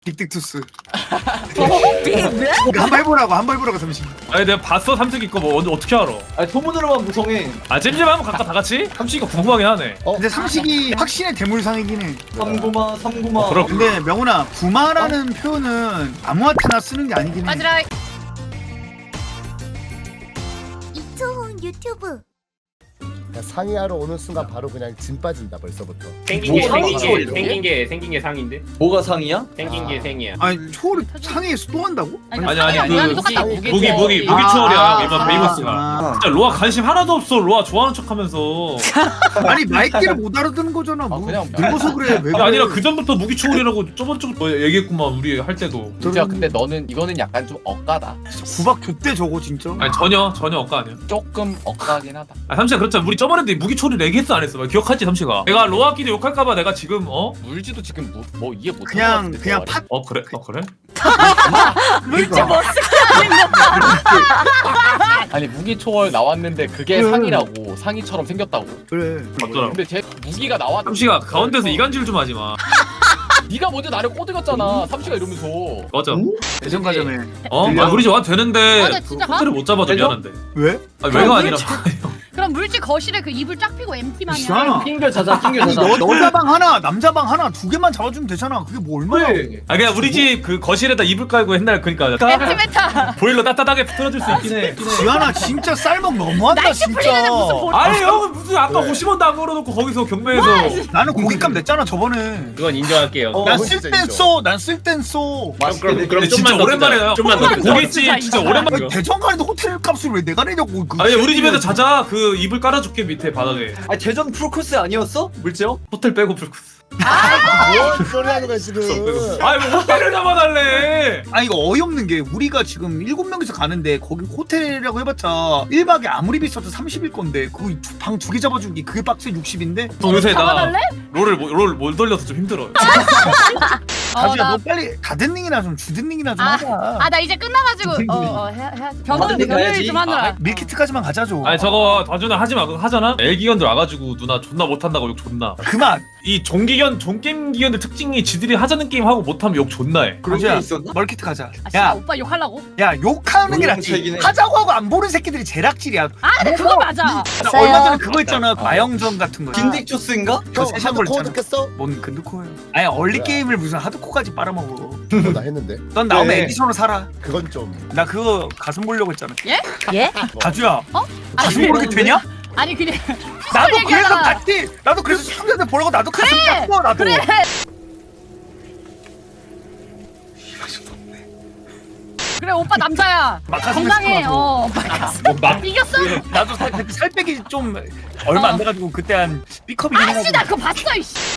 딕딕투스. 네? 한번 해보라고 잠시. 아니 내가 봤어 삼식이 거 뭐 어떻게 알아? 아니 소문으로만 구성해. 아 찜찜 한번 갈까 다 같이? 삼식이가 궁금하긴 하네. 근데 삼식이 확신의 대물상이긴 해. 삼구마. 그럼 근데 명훈아 구마라는 표현은 아무한테나 쓰는 게 아니긴 해. 맞으라. 이초훈 유튜브. 상의하러 오는 순간 바로 그냥 진 빠진다 벌써부터. 생긴 게 상이 생긴 게 상인데 뭐가 상이야? 생긴 게 생이야. 아니 초를 상해에서 또 한다고? 아니 그 똑같다. 무기 추월이야 이번 베이머스가. 아. 진짜 로아 관심 하나도 없어. 로아 좋아하는 척하면서. 아니 마이키를 못 알아듣는 거잖아. 뭐 그냥 늙어서 그래. 왜 그래? 아니라 그 전부터 무기 추월이라고 저번 주부터 뭐 얘기했구만 우리 할 때도. 진짜 근데 너는 이거는 약간 좀 억까다. 구박 줬대 저거 진짜. 아니 전혀 억까 아니야. 조금 억까긴 하다. 아 삼시가 그렇잖아. 우리 저번에도 무기 추월이 얘기했어 안 했어? 기억하지 삼시가? 내가 로아끼리 욕할까봐 내가 지금 물지도 지금 뭐 이해 못한 그냥 팥. 그래? 그래? 물지 뭐 쓰고 있는 아니 무기 초월 나왔는데 그게 상이라고 상이처럼 생겼다고. 그래. 맞더라. 근데 제 무기가 나왔. 삼시가 가운데서 이간질 좀 하지 마. 네가 먼저 나를 꼬드겼잖아. 삼시가 이러면서. 맞아. 대전 가자매. 우리 집 와도 되는데 맞아, 그 진짜 호텔을 못 잡아줘 미안한데. 왜? 아니 왜가 아니라. 그럼 물지 거실에 그 이불 쫙 펴고 MT만이야. 이상하나? 핑글 자자. 아니 여자 방 하나 남자 방 하나 두 개만 잡아주면 되잖아. 그게 뭐 얼마야? 그래. 아 그냥 우리 집 그 거실에다 이불 깔고 옛날 그러니까 MT 메타. 보일러 따뜻하게 틀어줄 수 있긴 해. 지아나 진짜 쌀먹 너무한다 날씨 풀리는데 무슨 진짜. 볼? 아니 형은 무슨 아까 왜? 50원도 안 걸어놓고 거기서 경매에서. 나는 고깃값 냈잖아 저번에. 그건 인정할게요. 난 그건 쓸 진짜 땐 인정. 써. 난 쓸 땐 써. 그럼 근데 진짜 좀만 더 오랜만에 쓰자. 좀만 더 쓰자. 고깃집 진짜 오랜만에. 아니, 대전 가는데 호텔 값을 왜 내가 내냐고. 그 아니 우리 집에서 자자. 그 이불 깔아줄게 밑에 바닥에. 아니 대전 프로코스 아니었어? 물지요? 호텔 빼고 풀코스. 뭔 소리 하는 거야 지금. 아니 뭐 호텔을 잡아달래. 아니 이거 어이없는 게 우리가 지금 7명이서 가는데 거기 호텔이라고 해봤자 1박에 아무리 비싸도 30일 건데 그거 방 2개 잡아주기 그게 박스에 60인데? 요새 나 잡아달래? 롤을 못 돌려서 좀 힘들어요. 가주야 나- 너 빨리 가든닝이나 좀 주든닝이나 좀 하자. 나 이제 끝나가지고 해야 가든닝 변호를 가야지. 좀 하느라. 밀키트까지만 가자 좀. 아니 저거 다준아 하지마. 그거 하잖아. 엘기견들 와가지고 누나 존나 못한다고 욕 존나. 그만. 이 종게임 기견들 특징이 지들이 하자는 게임 하고 못하면 욕 존나 해. 그런 게 가주야 있었나? 멀키트 가자. 아 진짜 야, 오빠 욕하려고? 야 욕하는 게 몰라, 낫지. 차이긴 해. 하자고 하고 안 보는 새끼들이 제일 악질이야. 아 근데 그거 맞아. 나 얼마 전에 그거 있잖아. 마영전 같은 거. 빈딕초스인가? 그 형 세션 걸 하드코어 있잖아. 듣겠어? 뭔 근두코예요? 아니 얼리 뭐야? 게임을 무슨 하드코까지 빨아먹어. 나 했는데. 넌 나오면 네. 에디션으로 살아. 그건 좀. 나 그거 가슴 보려고 했잖아. 예? 가주야. 아니, 가슴 보르게 되냐? 아니 그냥 나도 그래서 얘기하잖아. 같이. 나도 그래서 시청자들 보려고 나도 가슴 그래! 닦고 나도. 그래. 그래 오빠 남자야. 막가슴 건강해. 했어, 막 이겼어? 나도 살 빼기 좀 얼마 안 돼가지고 그때 한 B컵이긴 아씨 해가지고. 나 그거 봤어 이씨.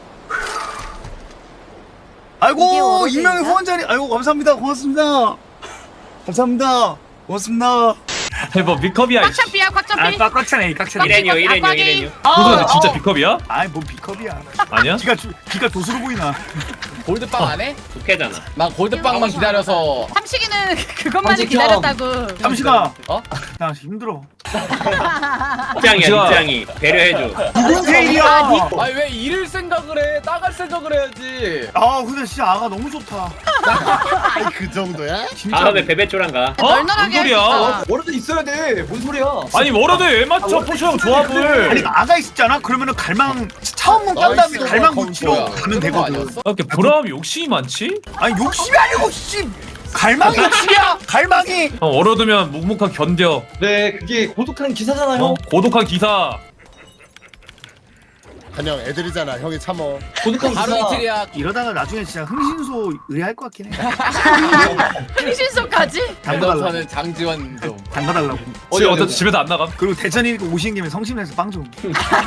이게 아이고 어른인가? 익명의 후원자님. 아이고 감사합니다. 고맙습니다. 감사합니다. 고맙습니다. 뭐 비컵이야. 꽉차피야 아 꽉차피. 꽉차네 꽉차네. 이래뇨. 그거 진짜 비컵이야? 아이 뭔 B컵이야. 아니야? 기가 도수로 보이나. 골드빵 안 해? 독해잖아. 나 골드빵만 기다려서. 삼식이는 그것만을 삼식 기다렸다고. 잠시가. 어? 나 힘들어. 입장이야 좋아. 입장이. 배려해줘. 무슨 세일이야. 아니 왜 잃을 생각을 해? 나갈 생각을 해야지. 아 근데 진짜 아가 너무 좋다. 그 정도야? 진짜. 다음에 베베초랑 가. 뭔 널널하게 할 수 소리야? 있잖아. 워러드 있어야 돼. 뭔 소리야? 아니 워러드에 왜 맞춰 포션 조합을? 아니 아가 있었잖아. 그러면은 갈망 차원문 깐 다음에 나이스. 갈망 그건 무치로 뭐야? 가면 그런 거 되거든. 아니었어? 이렇게 보람 욕심이 많지? 아니 욕심이 아니고 씨 갈망이 욕심이야. 갈망이. 형 워러드면 묵묵하게 견뎌. 네, 그게 고독한 기사잖아요. 고독한 기사. 한영 애들이잖아. 형이 참어. 고독한 하루 기사. 이틀이야. 이러다가 나중에 진짜 흥신소 의뢰할 것 같긴 해. 흥신소까지? 대전사는 장지원 좀. 담가달라고. 어제 집에도 안 나가? 그리고 대전이 오시는 김에 성심에서 빵 좀.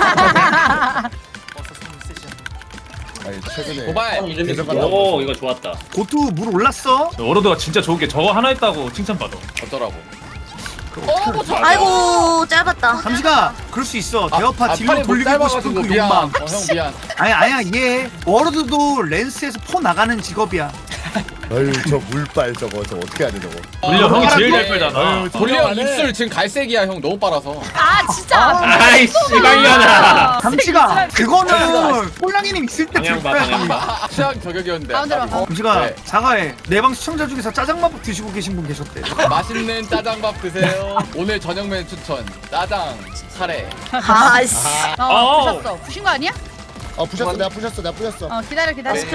아니 최근에 도발. 이름이 대전 뭐야? 갔다 오 이거 좋았다. 고투 물 올랐어? 워러드가 진짜 좋은 게 저거 하나 있다고 칭찬받아. 어쩌라고. 뭐 아이고 짧았다. 잠시가 그럴 수 있어. 대어파 딜로 팔이 못 돌리고 싶은 짧아가지고 그 미안. 욕망. 형 미안. 아니야 이해해. 워러드도 랜스에서 포 나가는 직업이야. 아유 저 물빨 저거 어떻게 하냐 저거. 돌려 형이 제일 잘 빨잖아. 아유, 돌려 저거 입술 지금 갈색이야 형 너무 빨아서. 아 진짜. 아이 씨발년아. 잠시가 그거는 꼴랑이님 있을 때 방향 봐, 들어야지. 방향 봐. 취향 저격이었는데. 가운데로 봐. 잠시가 네. 사과해. 내 방 시청자 중에서 짜장밥 드시고 계신 분 계셨대. 맛있는 짜장밥 드세요. 오늘 저녁 메뉴 추천. 짜장, 카레. 아씨. 부셨어. 부신 거 아니야? 부셨어 내가 부셨어. 기다려.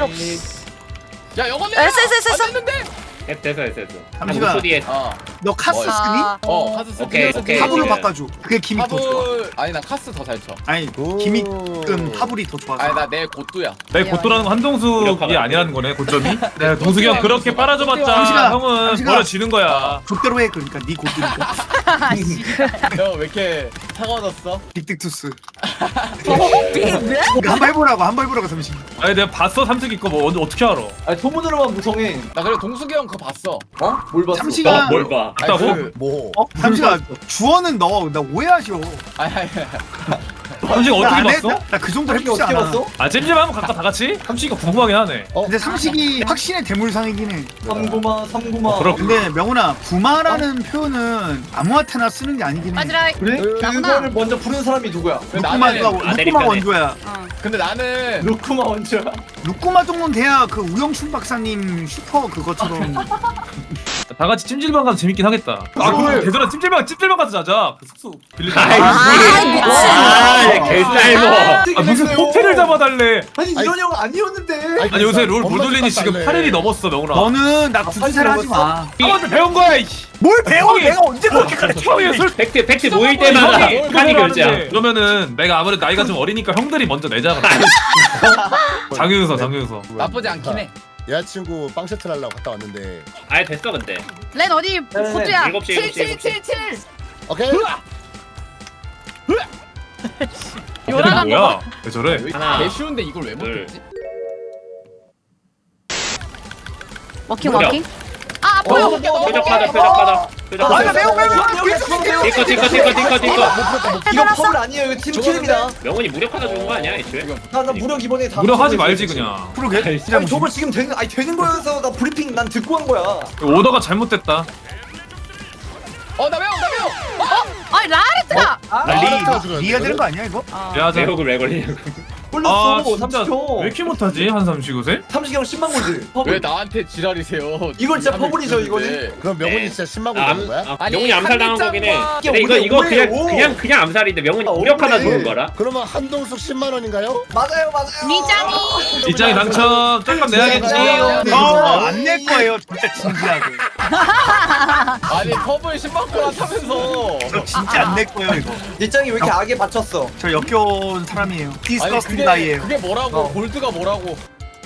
야 영원해. 됐어. 안 됐는데. 됐어. 잠시가. 5초 뒤에. 너 카스 뭐, 쓰니? 카스 쓰기. 오케이. 하부로 지금. 바꿔줘. 그게 기믹 더 좋아. 하불. 아니 나 카스 더 잘 쳐. 아니 오. 기믹은 하불이 더 좋아. 아니 나 내 고뚜야. 내 고토라는 건 한동숙이 아니라는 거네 고점이. 내가 동숙이 형 그렇게 빨아줘봤자 잠시가, 형은 잠시가. 버려지는 거야. 족대로 해. 그러니까 네 고드니까. 형 왜 이렇게 차가워졌어? 빅딕투스. 왜? 한번 해보라고 잠시. 아니 내가 봤어 삼숙이 거 뭐 어떻게 알아? 아니 소문으로만 무성해. 나 그래 동숙이 형 그거 봤어. 어? 뭘 봤어? 잠시가. 뭘 봐. 아니, 봤다고? 그- 뭐? 잠시가 주어는 너 나 오해하셔. 아니. 삼식 어떻게 봤어? 나 그 정도 삼식이 해보지 어떻게 않아. 봤어? 아 찜찜 한번 갈까 다 같이? 삼식이가 궁금하긴 하네. 근데 삼식이 확신의 대물상이긴 해. 삼구마. 그럼. 근데 명훈아 부마라는 표현은 아무한테나 쓰는 게 아니긴 해. 맞으라. 그래? 그거를 먼저 부른 사람이 누구야? 루꾸마가 루꾸마 아메리카네. 원조야. 근데 나는 루쿠마 원주야. 루꾸마 정도는 돼야 그 우영춘 박사님 슈퍼 그것처럼. 다 같이 찜질방 가서 재밌긴 하겠다. 아 그럼 대전에 찜질방 가서 자자. 그 숙소 빌리자. 아, 개쌀모. 아 무슨 호텔을 잡아달래. 아니 이런 형 아니었는데. 아니 요새 롤 몰돌리니 지금 8일이 넘었어 명훈아. 너는 나 구두쇠를 하지 마. 형한테 배운 거야 이씨. 뭘 배워? 형이- 내가 언제 그렇게 가르쳐? 형이 술 팩트 모일 때마다 형이 칸이 결제야. 그러면은 내가 아무래도 나이가 좀 어리니까 형들이 먼저 내자. 장윤서. 나쁘지 않긴 해. 여자친구 빵 셔틀 하려고 갔다 왔는데. 아예 됐어 근데. 렌 어디 포트야? 7시. 오케이. 요란한 거. 뭐야? 왜 저래? 하나, 개 쉬운데 이걸 왜 둘. 못했지? 워킹 무려. 워킹. 아 보여. 표적하다. 아, 나 매우 띵커. 이거 펄 아니에요. 이거 팀킬입니다. 명훈이 무력하다 좋은 거 아니야 애초에? 나 무력 이번에 다. 무력하지 말지 그냥. 그러게. 아니 저걸 지금 되는 거여서 나 브리핑 난 듣고 한 거야. 오더가 잘못됐다. 나 매워. 아니 라레트가. 리해야 되는 거 아니야 이거? 야자. 내역을 왜 걸리냐고. 아 홀렸어. 진짜 왜 30초. 이렇게 못하지 한 삼시구세? 30형 10만 골드. 왜 나한테 지랄이세요? 이건 진짜 퍼블이죠, 이거는. 그럼 명훈이 진짜 10만 원 되는 거야? 아니, 명훈이 암살 당한 거긴 해. 한입장과- 근데 이거 오래. 그냥 암살인데 명훈이 아, 무력하다 오래. 좋은 거라. 그러면 한동숙 10만 원인가요? 맞아요. 미장이. 이장이 당첨. 짝값 내야겠지. 안 낼 거예요. 진짜 진지하게. 아니 퍼블 10만 원 타면서. 저 진짜 안 낼 거예요 이거. 일장이 왜 이렇게 악에 받쳤어? 저 역겨운 사람이에요. 아니 디스커스팅 가이예요. 그게 뭐라고? 골드가 뭐라고?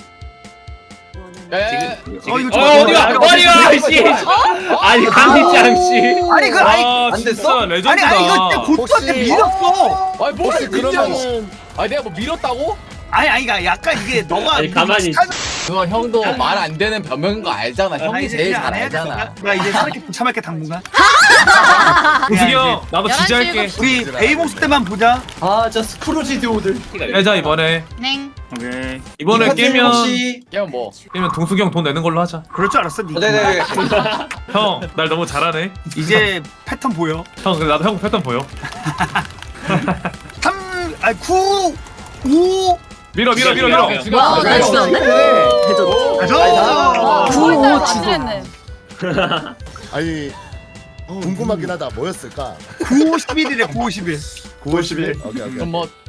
야야야. 이거 좀 어디가 씨. 아니 강희짱 씨. 아니 그 아 안 진짜 됐어? 레전드다. 아니 이거 진짜 고투한테 혹시- 밀었어. 아니 뭘 혹시 밀자고? 그러면은 아니 내가 뭐 밀었다고? 아니 그러니까 약간 이게 너가 아니, 가만히 그거 형도 말 안 되는 변명인 거 알잖아. 아, 형이 이제 제일 그냥 잘 안 해야겠어. 알잖아. 나 이제 저렇게 부참할게 당분간. 우승이 형 나도 11시 지지할게. 우리 베이봉스 때만 보자. 아, 저 스크루지 듀오들. 해자 이번에. 냉. 오케이. 이번에 깨면 깨면 뭐? 동숙이 형 돈 내는 걸로 하자. 그럴 줄 알았어. 니. 네네. 형 날 너무 잘하네. 이제 패턴 보여. 형 근데 나도 형 패턴 보여. 9, 5. 밀어. 지금 와, 나 진짜 안 돼? 가자. 구호 지냈네. 아니 궁금하긴 하다. 뭐였을까? 9, 11이래 9, 11. 9월 10일. 오케이. 그럼 뭐